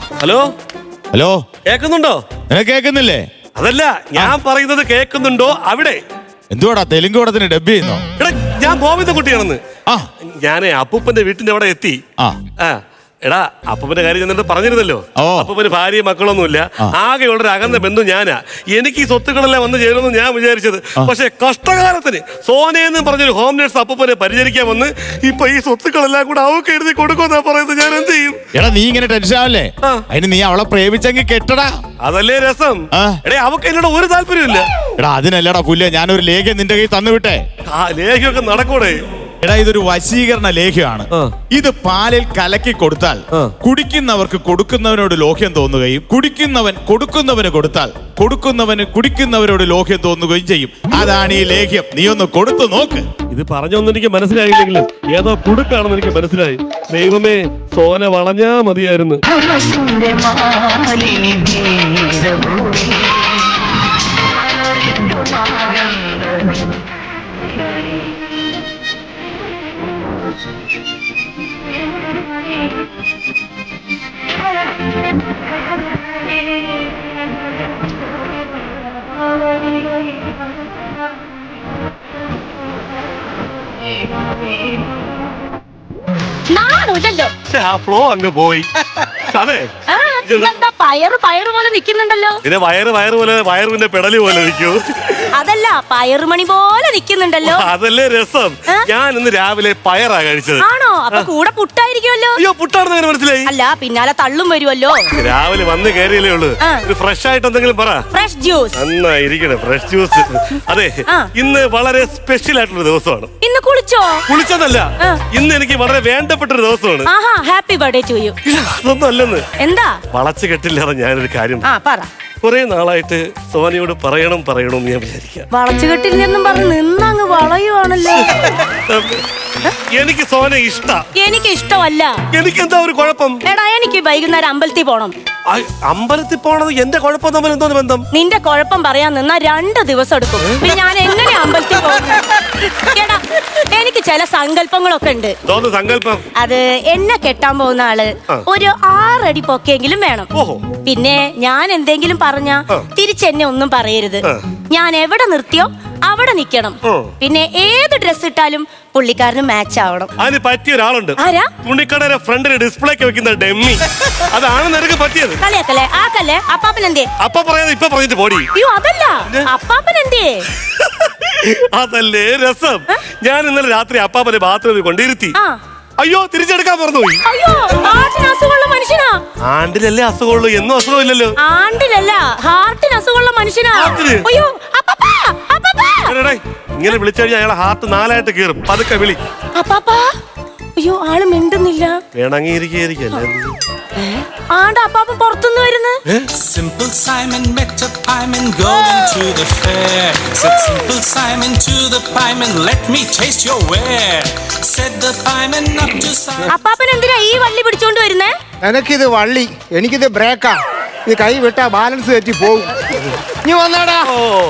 Hello hello, കേക്കുന്നുണ്ടോ? കേക്കുന്നില്ലേ? അതല്ല, ഞാൻ പറയുന്നത് കേക്കുന്നുണ്ടോ അവിടെ? എന്തുവാടാ തെലുങ്ക് പടത്തിന് ഡബ് ചെയ്യുന്നോ? എടാ, ഞാൻ ഗോവിന്ദൻകുട്ടിയാണെന്ന്. ഞാനേ അപ്പൂപ്പന്റെ വീട്ടിന്റെ അവിടെ എത്തി. എടാ, അപ്പൂപ്പന്റെ കാര്യം ഞാൻ പറഞ്ഞിരുന്നല്ലോ. അപ്പൂപ്പന് ഭാര്യയും മക്കളൊന്നുമില്ല, ആകെയുള്ളൊരു അകന്ന ബന്ധു ഞാനാ. എനിക്ക് ഈ സ്വത്തുക്കളെല്ലാം വന്ന് ചേരുമെന്ന് ഞാൻ വിചാരിച്ചത്. പക്ഷെ കഷ്ടകാലത്തിന് സോനയെന്ന് പറഞ്ഞൊരു ഹോം നേഴ്സ് അപ്പൂപ്പനെ പരിചരിക്കാൻ വന്ന് ഇപ്പൊ ഈ സ്വത്തുക്കളെല്ലാം കൂടെ അവക്ക് എഴുതി കൊടുക്കുമെന്നാ പറയുന്നത്. ഞാൻ എന്ത് ചെയ്യും? എടാ, നീ ഇങ്ങനെ ടെൻഷൻ ആവല്ലേ? അതിന് നീ അവളെ പ്രേമിച്ചെങ്കിൽ കെട്ടടാ. അതല്ലേ രസം. എടേ, അവക്ക് എന്നോട് ഒരു താല്പര്യമില്ല. എടാ, അതിനല്ലടാ പുല്ല, ഞാനൊരു ലേഖ്യം നിന്റെ കയ്യിൽ തന്നുവിട്ടെ. ലേഖ്യമൊക്കെ നടക്കൂടെ? എടാ, ഇതൊരു വശീകരണ ലേഖ്യമാണ്. ഇത് പാലിൽ കലക്കി കൊടുത്താൽ കുടിക്കുന്നവർക്ക് കൊടുക്കുന്നവനോട് ലോഹ്യം തോന്നുകയും കുടിക്കുന്നവൻ കൊടുക്കുന്നവന് കൊടുത്താൽ കൊടുക്കുന്നവന് കുടിക്കുന്നവരോട് ലോഹ്യം തോന്നുകയും ചെയ്യും. അതാണ് ഈ ലേഖ്യം. നീ ഒന്ന് കൊടുത്തു നോക്ക്. ഇത് പറഞ്ഞൊന്നും എനിക്ക് മനസ്സിലായില്ലെങ്കിലും ഏതോ കുടുക്കാണെന്ന് എനിക്ക് മനസ്സിലായി. ദൈവമേ, സോന വളഞ്ഞാ മതിയായിരുന്നു. ആ ഫ്ലോ അങ്ങ് പോയി. അതെ, പയറ് പോലെ നിക്കുന്നുണ്ടല്ലോ. പിന്നെ വയറ് പോലെ വയറിന്റെ പെടലി പോലെ നിൽക്കൂ. അതല്ല, പയറുമണി പോലെ നിക്കുന്നുണ്ടല്ലോ. അതല്ലേ രസം. ഞാൻ ഇന്ന് രാവിലെ പയറാ കഴിച്ചത്. ആണോ? അപ്പൊ കൂടെ പുട്ടായിരിക്കുമല്ലോ. അയ്യോ, പുട്ടാണെന്ന് മനസ്സിലായി. അല്ല, പിന്നാലെ തള്ളും വരുമല്ലോ. രാവിലെ വന്ന് കയറിയല്ലേ ഉള്ളു. ഫ്രഷ് ആയിട്ട് എന്തെങ്കിലും പറ. Fresh juice. നന്നായിരിക്കണേ, ഫ്രഷ് ജ്യൂസ്. അതെ, ഇന്ന് വളരെ സ്പെഷ്യൽ ആയിട്ടുള്ള ദിവസമാണ്. ഇന്ന് കുളിച്ചോ? കുളിച്ചതല്ല, ഇന്ന് എനിക്ക് വളരെ വേണ്ടപ്പെട്ട ഒരു ദിവസമാണ്. Happy birthday to you. അതൊന്നും അല്ലെന്ന്. എന്താ? വളച്ചു കെട്ടില്ലാതെ ഞാനൊരു കാര്യം പറ. കുറെ നാളായിട്ട് സോനയോട് പറയണം ഞാൻ വിചാരിക്കാം. വളച്ചുകെട്ടില്ലെന്നും പറഞ്ഞ് നിന്നങ്ങ് വളയുവാണല്ലോ. എനിക്ക് സോന എനിക്ക് ഇഷ്ടമല്ല. എനിക്ക് എന്താ ഒരു കുഴപ്പം? എടാ, എനിക്ക് വൈകുന്നേരം അമ്പലത്തിൽ പോണം. അമ്പലത്തിൽ പോണത് എന്റെ കുഴപ്പം തമ്മിൽ എന്തോന്ന് ബന്ധം? നിന്റെ കുഴപ്പം പറയാൻ നിന്നാ 2 ദിവസം എടുക്കും. പിന്നെ ഞാൻ എങ്ങനെ അമ്പലത്തിൽ പോകും? എടാ, എനിക്ക് ചില സങ്കല്പങ്ങളൊക്കെ ഉണ്ട്. സങ്കല്പം? അത് എന്നെ കെട്ടാൻ പോകുന്ന ആള് ഒരു 6 അടി പൊക്കെങ്കിലും വേണം. പിന്നെ ഞാൻ എന്തെങ്കിലും പറഞ്ഞാ തിരിച്ചെന്നെ ഒന്നും പറയരുത്. ഞാൻ എവിടെ നിർത്തിയോ അവിടെ നിക്കണം. പിന്നെ ഏത് ഡ്രസ് ഇട്ടാലും പുള്ളിക്കാരന് മാച്ച് ആവണം. അതിന് പറ്റിയ ഒരാളുണ്ട്. തുണിക്കടയുടെ ഫ്രണ്ടിൽ ഡിസ്പ്ലേക്ക് വെക്കുന്ന ഡെമ്മി. അതാണ് നിനക്ക് പറ്റിയത്. കളിയാക്കല്ലേ? ആക്കല്ലേ? അപ്പാപ്പൻ എന്തേ? അപ്പ പറയാതെ ഇപ്പൊ പറഞ്ഞിട്ട് പോടി. അയ്യോ, അതല്ല, അപ്പാപ്പൻ എന്തേ? അതല്ലേ രസം. ഞാൻ ഇന്നലെ രാത്രി അപ്പാപ്പനെ ബാത്റൂമിൽ കൊണ്ടിരുത്തി. അയ്യോ, തിരിച്ചെടുക്കാൻ മറന്നുപോയി. അയ്യോ, ആണ്ടിന് അസുഖമുള്ള മനുഷ്യനാ. ആണ്ടിലല്ലേ അസുഖമുള്ളൂ, എന്നും അസുഖമില്ലല്ലോ. ആണ്ടിലല്ല, ഹാർട്ടിന് അസുഖമുള്ള മനുഷ്യനാ. അയ്യോ, ഇങ്ങനെ വിളിച്ചു കഴിഞ്ഞാൽ അയാളെ ഹാർട്ട് 4ആയിട്ട് കീറും. പതുക്കെ വിളി. അയ്യോ, ആള് മിണ്ടുന്നില്ല. വേണമെങ്കിരിക്കല്ലേ. അപ്പാപ്പൻ പുറത്തുനിന്ന് വരുന്നു. Simple Simon met a pieman going to the fair. Said Simple Simon to the pieman, let me taste your ware. Said the pieman up to Simon. അപ്പാപ്പൻ എന്തിനാ ഈ വള്ളി പിടിച്ചോണ്ട് വരുന്നേ? എനിക്കിത് വള്ളി, എനിക്കിത് ബ്രേക്കാ. ഇത് കൈ വിട്ടാ ബാലൻസ് തെറ്റി പോകും. നീ വന്നാടാ.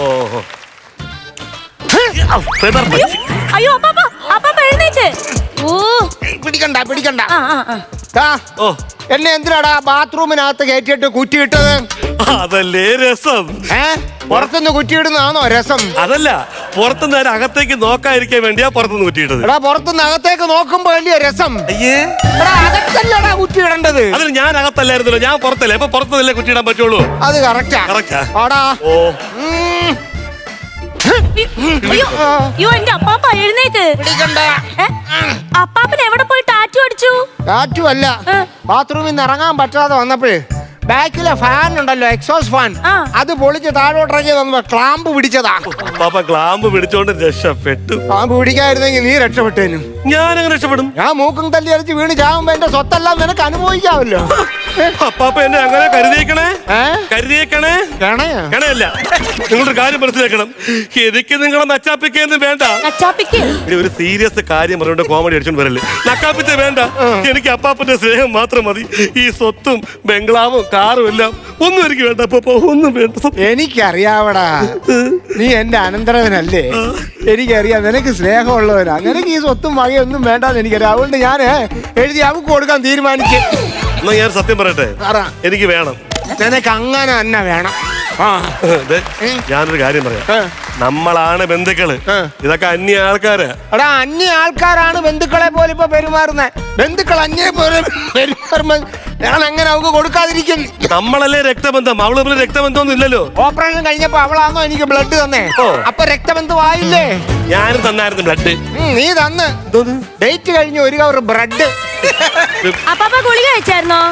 അയ്യോ, അപ്പാപ്പ എഴുന്നേറ്റ്. പിടിക്കണ്ട. എന്നെ എന്തിനാടാ ബാത്റൂമിനകത്ത് കയറ്റിട്ട് കുറ്റിയിട്ടത്? അതല്ലേ രസം. പുറത്തുനിന്ന് കുറ്റിയിടുന്നതാണോ രസം? അതല്ല, പുറത്തുനിന്ന് അകത്തേക്ക് നോക്കാതിരിക്കാൻ വേണ്ടിയാ പുറത്തുനിന്ന് കുറ്റിയിട്ടത്. എടാ, പുറത്തുനിന്ന് അകത്തേക്ക് നോക്കുമ്പോ വലിയ രസം. അകത്തല്ലടാ കുറ്റിയിടേണ്ടത്. അതിന് ഞാൻ അകത്തല്ലായിരുന്നല്ലോ, ഞാൻ പുറത്തല്ലേ. അപ്പൊ പുറത്തുനിന്നല്ലേ കുറ്റിയിടാൻ പറ്റുള്ളൂ. അത് കറക്റ്റാ. അയ്യോ, എന്റെ അപ്പാപ്പ എഴുന്നേക്ക്. അപ്പാപ്പൻ എവിടെ പോയി ടാറ്റു അടിച്ചു? ടാറ്റു അല്ല, ബാത്റൂമിൽ നിന്ന് ഇറങ്ങാൻ പറ്റാതെ വന്നപ്പോഴേ ബാക്കിലെ ഫാൻ ഉണ്ടല്ലോ, എക്സോസ് ഫാൻ, അത് പൊളിച്ച് താഴോട്ടിറങ്ങി വന്നപ്പോ ക്ലാമ്പ് പിടിച്ചതാ. ക്ലാമ്പ് പിടിച്ചോണ്ട് രക്ഷപ്പെട്ടു. ക്ലാമ്പ് പിടിക്കായിരുന്നെങ്കിൽ നീ രക്ഷപ്പെട്ടേനും. ഞാൻ എങ്ങനെ രക്ഷപ്പെടും? ഞാൻ മൂക്കും തല്ലി അരച്ച് വീണ് ചാവുമ്പോ എന്റെ സ്വത്തെല്ലാം നിനക്ക് അനുഭവിക്കാമല്ലോ. അപ്പാപ്പ എന്നെ അങ്ങനെ കരുതിയേക്കണേ. കണയല്ല, നിങ്ങളൊരു കാര്യം മനസ്സിലാക്കണം. എനിക്ക് നിങ്ങളെ നച്ചാപ്പിക്കൊന്നും വേണ്ട. ഒരു സീരിയസ് കാര്യം പറഞ്ഞോണ്ട് കോമഡി അടിച്ചോണ്ട് വരല്ലേ. നക്കാപ്പിച്ച വേണ്ട. എനിക്ക് അപ്പാപ്പന്റെ സ്നേഹം മാത്രം മതി. ഈ സ്വത്തും ബംഗ്ലാവും കാറും എല്ലാം ഒന്നും എനിക്ക് വേണ്ട. അപ്പൊ ഒന്നും വേണ്ട. എനിക്കറിയാവടാ, നീ എന്റെ അനന്തരവനല്ലേ. എനിക്കറിയാം നിനക്ക് സ്നേഹമുള്ളവനാ. നിനക്ക് ഈ സ്വത്തും വകയൊന്നും വേണ്ടാന്ന് എനിക്കറിയാം. അതുകൊണ്ട് ഞാൻ എഴുതി അവക്ക് കൊടുക്കാൻ തീരുമാനിച്ചു. എന്നാ ഞാൻ സത്യം പറയട്ടെ, പറ. എനിക്ക് വേണം. നിനക്ക് അങ്ങനെ തന്നെ വേണം. ആ ദേ, ഞാനൊരു കാര്യം പറയാം. നമ്മളാണ് ബന്ധുക്കള്, ഇതൊക്കെ അന്യ ആൾക്കാര്. എടാ, അന്യ ആൾക്കാരാണ് ബന്ധുക്കളെ പോലെ ഇപ്പൊ പെരുമാറുന്നത്. ബന്ധുക്കൾ അന്യ പോലെ പെരുമാറുമ്പോ ഞാൻ എങ്ങനെ അവക്ക് കൊടുക്കാതിരിക്കും? നമ്മളല്ലേ രക്തബന്ധം, അവള് രക്തബന്ധമൊന്നും ഇല്ലല്ലോ. ഓപ്പറേഷൻ കഴിഞ്ഞപ്പോ അവളാണോ എനിക്ക് ബ്ലഡ് തന്നേ? അപ്പൊ രക്തബന്ധമായില്ലേ? ഞാനും തന്നായിരുന്നു ബ്ലഡ്. നീ തന്ന് ഡേറ്റ് കഴിഞ്ഞ് ഒരു കവർ ബ്രെഡ്. അപ്പാപ്പ ഗുളിക കഴിച്ചായിരുന്നോ?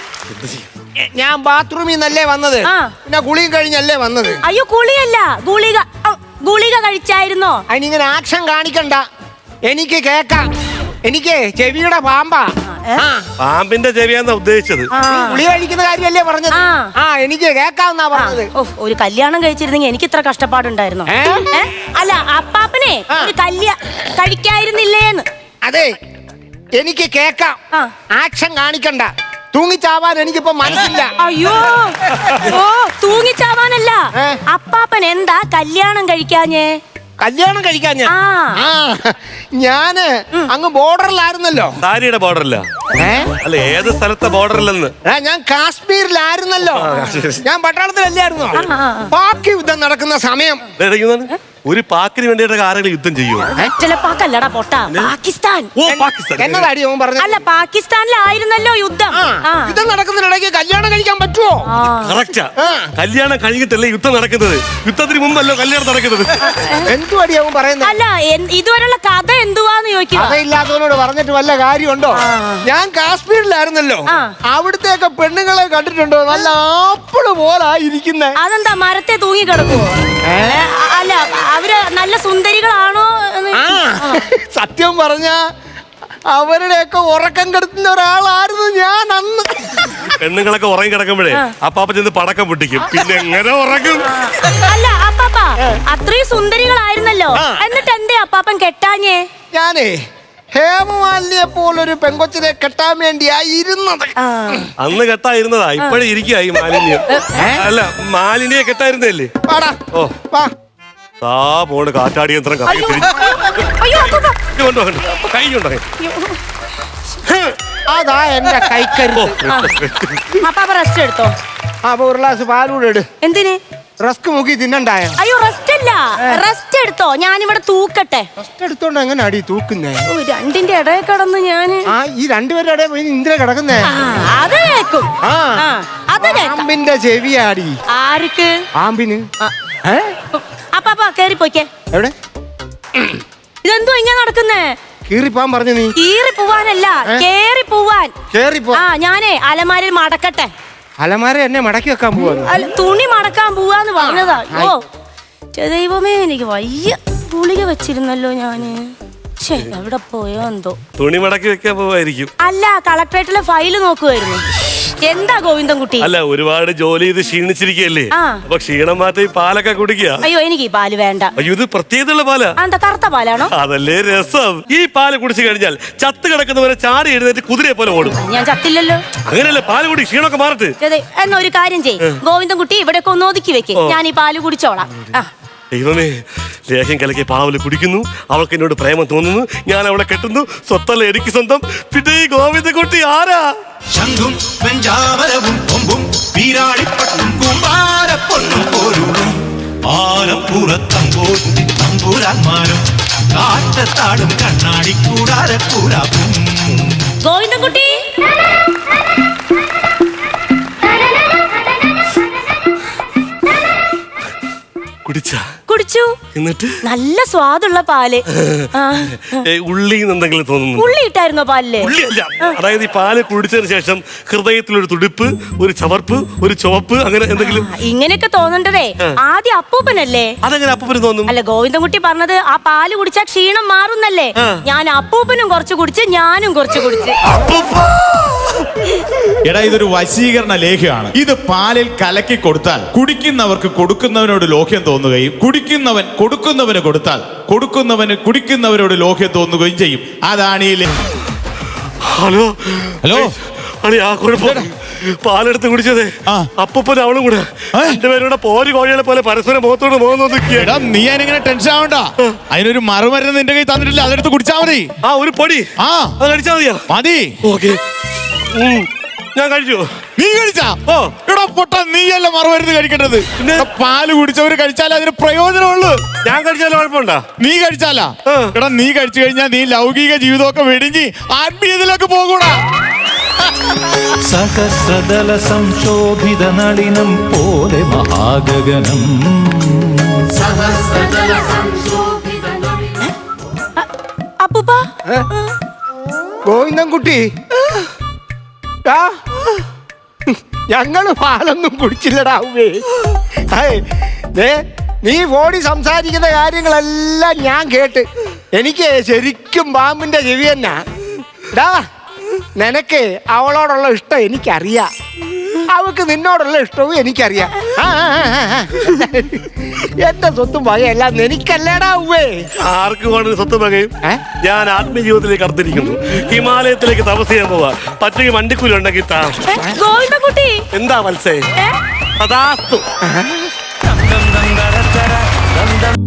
ഞാൻ ബാത്റൂമിൽ നിന്നല്ലേ വന്നത്, പിന്നെ കുളിയും കഴിഞ്ഞല്ലേ വന്നത്. അയ്യോ കുളിയല്ല, ഗുളിക. ഗുളിക കഴിച്ചായിരുന്നോ? അതിനിങ്ങനെ ആക്ഷൻ കാണിക്കണ്ട, എനിക്ക് കേക്കാം. എനിക്ക് ചെവിയുടെ പാമ്പാ. പാമ്പിന്റെ ചെവിയാന്നാ ഉദ്ദേശിച്ചത്. ഗുളി കഴിക്കുന്ന കാര്യമല്ലേ പറഞ്ഞത്? എനിക്ക് കേക്കാന്നാ പറഞ്ഞത്. ഒരു കല്യാണം കഴിച്ചിരുന്നെങ്കിൽ എനിക്ക് ഇത്ര കഷ്ടപ്പാടുണ്ടായിരുന്നു. അല്ല, അപ്പാപ്പനെ ഒരു കഴിക്കായിരുന്നില്ലേന്ന്. അതെ, എനിക്ക് കേക്കാം. ആക്ഷൻ കാണിക്കണ്ട. തൂങ്ങിച്ചാവാൻ എനിക്കിപ്പോ മനസ്സില്ല. അയ്യോ, ഓ തൂങ്ങിച്ചാവാനല്ല. അപ്പാപ്പൻ എന്താ കല്യാണം കഴിക്കാഞ്ഞേ? കല്യാണം കഴിക്കാൻ ഞാന് അങ്ങ് ബോർഡറിലായിരുന്നല്ലോ. സാരിയുടെ ബോർഡറില്ല, അല്ല ഏത് സ്ഥലത്തെ ബോർഡറിലെന്ന്. ഞാൻ കാശ്മീരിലായിരുന്നല്ലോ. ഞാൻ പട്ടാളത്തിലല്ലായിരുന്നോ? പാക് യുദ്ധം നടക്കുന്ന സമയം. ഒരു പാക്കിന് വേണ്ടിയിട്ട് ആരെങ്കിലും യുദ്ധം ചെയ്യോ? ചിലപ്പാക്കല്ലടാ പൊട്ട, പാകിസ്ഥാൻ. എന്നതാടി അവൻ പറഞ്ഞത്? അല്ല, പാകിസ്ഥാനിലായിരുന്നല്ലോ യുദ്ധം. യുദ്ധം നടക്കുന്നതിനിടയ്ക്ക് കല്യാണം കഴിക്കാൻ പറ്റുമോ? കറക്റ്റാ, കല്യാണം കഴിഞ്ഞിട്ടല്ലേ യുദ്ധം നടക്കുന്നത്. യുദ്ധത്തിന് മുമ്പല്ലോ കല്യാണം നടക്കുന്നത്. എന്തുവാടി അവൻ പറയുന്നത്? അല്ല, ഇതുവരെയുള്ള കഥ എന്തുവാന്ന് ചോദിക്കുക. കഥയില്ലാത്തവനോട് പറഞ്ഞിട്ട് വല്ല കാര്യമുണ്ടോ? ഞാൻ കാശ്മീരിലായിരുന്നല്ലോ. അവിടുത്തെയൊക്കെ പെണ്ണുങ്ങളെ കണ്ടിട്ടുണ്ടോ? നല്ല ആപ്പിള് പോലായിരിക്കുന്നേ. അതെന്താ, മരത്തെ തൂങ്ങി കിടക്കുവോ? അല്ല, അവര് നല്ല സുന്ദരികളാണോ? സത്യം പറഞ്ഞ അവരുടെയൊക്കെ ഉറക്കം കെടുത്തുന്ന ഒരാളായിരുന്നു ഞാൻ അന്ന്. പെണ്ണുങ്ങളൊക്കെ ഉറങ്ങി കിടക്കുമ്പോഴേ അപ്പാപ്പ ചെന്ന് പടക്കം പൊട്ടിക്കും, പിന്നെ എങ്ങനെ ഉറങ്ങും? അല്ല അപ്പാപ്പ, അത്രയും സുന്ദരികളായിരുന്നല്ലോ, എന്നിട്ട് എന്തേ അപ്പാപ്പൻ കെട്ടാഞ്ഞേ? ഞാനേ ഹേമമാലിനിയെ പോലൊരു പെങ്കൊച്ചിനെ കെട്ടാൻ വേണ്ടിയായിരുന്നത്. അന്ന് കെട്ടായിരുന്നതാ, ഇപ്പഴേ ഇരിക്കുക ഈ മാലിന്യം. അല്ല, മാലിന്യെ കെട്ടായിരുന്നല്ലേ? ഓ പോണ് കാറ്റാടി യന്ത്രം അതാ എന്റെ കൈക്കരുത്. അപ്പാപ്പ റെസ്റ്റ് എടുത്തോ. അപ്പൊ ഒരു ഗ്ലാസ് പാലൂടെ ഇട്. എന്തിന്? റസ്ക് മുക്കി തിന്നണ്ടായോ? അയ്യോ, റെസ്റ്റ് അല്ല, റെസ്റ്റ് എടുത്തോ. ഞാനിവിടെ തൂക്കട്ടെ. റെസ്റ്റ് എടുത്തോണ്ട് എങ്ങനെ അടി തൂക്കുന്നേ? രണ്ടിന്റെ ഇടയിൽ കിടന്ന് ഞാന് ഈ രണ്ടുപേരുടെ ഇടയിൽ പോയി ഇന്ദിര കിടക്കുന്നേ. അത് കേക്കും. പാമ്പിന്റെ ചെവിയാടി. ആർക്ക്? പാമ്പിന്. അപ്പാപ്പ കേറി പോയിക്കേ. എവിടെ? ഇതെന്തോ ഇങ്ങനെ നടക്കുന്നേ? കീറിപ്പോവാൻ പറഞ്ഞു നീ. കീറി പോവാനല്ല, കേറി പോവാൻ. കേറിപ്പോ. ഞാനേ അലമാരയിൽ മടക്കട്ടെ. അലമാര എന്നെ മടക്കി വെക്കാൻ പോവാ. തുണി മടക്കാൻ പോവാന്ന് പറഞ്ഞതാ. ഓ ദൈവമേ, എനിക്ക് വയ്യ. ഗുളിക വെച്ചിരുന്നല്ലോ ഞാന്. എവിടെ പോയോ എന്തോ. തുണി മടക്കി വെക്കാൻ പോവായിരിക്കും. അല്ല, കളക്ടറേറ്റിലെ ഫയല് നോക്കുവായിരുന്നു. എന്താ ഗോവിന്ദൻകുട്ടി? അല്ല, ഒരുപാട് ജോലി ചെയ്ത് ക്ഷീണിച്ചിരിക്കല്ലേ, അപ്പൊ ക്ഷീണം മാറ്റി പാലൊക്കെ കുടിക്കുക. അയ്യോ, എനിക്ക് ഈ പാല് വേണ്ട. അയ്യോ, ഇത് പ്രത്യേകതയുള്ള പാലാ. എന്താ, കറുത്ത പാലാണോ? അതല്ലേ രസം. ഈ പാല് കുടിച്ചു കഴിഞ്ഞാൽ ചത്ത് കിടക്കുന്നവരെ ചാടി എഴുന്നേറ്റ് കുതിരയെ പോലെ ഓടും. ഞാൻ ചത്തില്ലല്ലോ. അങ്ങനെയല്ലേ, പാല് കുടി, ക്ഷീണമൊക്കെ മാറട്ടെ. എന്നാ ഒരു കാര്യം ചെയ്യ്, ഗോവിന്ദൻകുട്ടി ഇവിടെയൊക്കെ ഒന്ന് ഒതുക്കി വെക്ക്, ഞാൻ ഈ പാല് കുടിച്ചോളാം. ദൈവമേ, ലേഹ്യം കലക്കി പാവല് കുടിക്കുന്നു, അവൾക്ക് എന്നോട് പ്രേമം തോന്നുന്നു, ഞാൻ അവളെ കെട്ടുന്നു, സ്വത്തല്ല എനിക്ക് സ്വന്തം. പിന്നെ ഈ ഗോവിന്ദൻകുട്ടി ആരാ? ശംഖും വെഞ്ചാമരവും കൊമ്പും വീരാളിപ്പട്ടും കുമ്പാരപ്പൊന്നും പോലും ആലപ്പുറത്തമ്പോട്ടി തമ്പുരാന്മാരും കാറ്റത്താടും കണ്ണാടിക്കൂടാരക്കൂടാക്കും. ഗോവിന്ദൻകുട്ടി, കുടിച്ചു. എന്നിട്ട് നല്ല സ്വാദുള്ള പാല്. ഉള്ളി എന്തെങ്കിലും തോന്നുന്നു? ഉള്ളി ഇട്ടായിരുന്നോ പാലില്? ഉള്ളിയല്ല, അതായത് ഈ പാല് കുടിച്ചതിന് ശേഷം ഹൃദയത്തിലൊരു തുടിപ്പ്, ഒരു ചവർപ്പ്, ഒരു ചുവപ്പ്, അങ്ങനെ എന്തെങ്കിലും. ഇങ്ങനെയൊക്കെ തോന്നണ്ടതേ ആദ്യം അപ്പൂപ്പനല്ലേ. അതെങ്ങനെ അപ്പൂപ്പന് തോന്നും? അല്ല, ഗോവിന്ദൻകുട്ടി പറഞ്ഞത് ആ പാല് കുടിച്ചാൽ ക്ഷീണം മാറുന്നല്ലേ. ഞാൻ അപ്പൂപ്പനും കുറച്ച് കുടിച്ച്, ഞാനും കുറച്ച് കുടിച്ച്. എടാ, ഇതൊരു വശീകരണ ലേഖ്യമാണ്. ഇത് പാലിൽ കലക്കി കൊടുത്താൽ കുടിക്കുന്നവർക്ക് കൊടുക്കുന്നവനോട് ലോഹ്യം തോന്നുകയും കുടിക്കുന്നവൻ കൊടുക്കുന്നവന് കൊടുത്താൽ കൊടുക്കുന്നവന് കുടിക്കുന്നവരോട് ലോഹ്യം തോന്നുകയും ചെയ്യും. അതാണ് ഈ ഹലോ ഹലോ ആ കുഴപ്പം. പാലെടുത്ത് കുടിച്ചതേ അപ്പൂപ്പൻ അവളും കൂടെ രണ്ടുപേരുടെ പോരി കോഴികളെ പോലെ പരസ്പരം മുഖത്തോട് മുഖം നോക്കിയാ. നീ അതിനെങ്ങനെ ടെൻഷൻ ആവണ്ട. അതിനൊരു മറുമരുന്ന് നിന്റെ കയ്യിൽ തന്നിട്ടില്ല, അതെടുത്ത് കുടിച്ചാ മതി. ഒരു പൊടി അത് കഴിച്ചാ മതിയാ? മതി. ഓക്കെ. ഞാൻ കഴിച്ചു. നീ കഴിച്ചാ? ഓ. എടാ പൊട്ട, നീയല്ല മറുമരുന്ന് കഴിക്കേണ്ടത്. എടാ, പാല് കുടിച്ചവര് കഴിച്ചാലേ അതിന് പ്രയോജനമുള്ളൂ. ഞാൻ കഴിച്ചാലും കുഴപ്പമുണ്ടോ? നീ കഴിച്ചാലാ? എടാ, നീ കഴിച്ചു കഴിഞ്ഞാൽ നീ ലൗകിക ജീവിതമൊക്കെ വെടിഞ്ഞ് ആത്മീയതയിലേക്ക് പോകൂടാ. സഹസ്രദല സംശോഭിത നളിനം പോലെ മഹാഗഗനം. അപ്പൂപ്പ ഗോവിന്ദൻകുട്ടി, ഞങ്ങള് പാലൊന്നും കുടിച്ചില്ലടാ ഉവ്വേ. നീ ഫോണിൽ സംസാരിക്കുന്ന കാര്യങ്ങളെല്ലാം ഞാൻ കേട്ട് എനിക്ക് ശരിക്കും പാമ്പിന്റെ ചെവി തന്നെ. നിനക്ക് അവളോടുള്ള ഇഷ്ടം എനിക്കറിയാം, അവക്ക് നിന്നോടുള്ള ഇഷ്ടവും എനിക്കറിയാം. എന്റെ സ്വത്തും വകയെല്ലാം എനിക്കല്ലേടാ ഉവ്വേ. ആർക്ക് വേണമെങ്കിൽ സ്വത്തും വകയും ഞാൻ ആത്മീയ ജീവിതത്തിലേക്ക് കടത്തിരിക്കുന്നു. ഹിമാലയത്തിലേക്ക് തപസ് ചെയ്യാൻ പോവാ. പച്ചയ്ക്ക് വണ്ടിക്കൂലി ഉണ്ടെങ്കിൽ താ. ഗോവിന്ദൻകുട്ടി, എന്താ മത്സേ? തഥാസ്തു.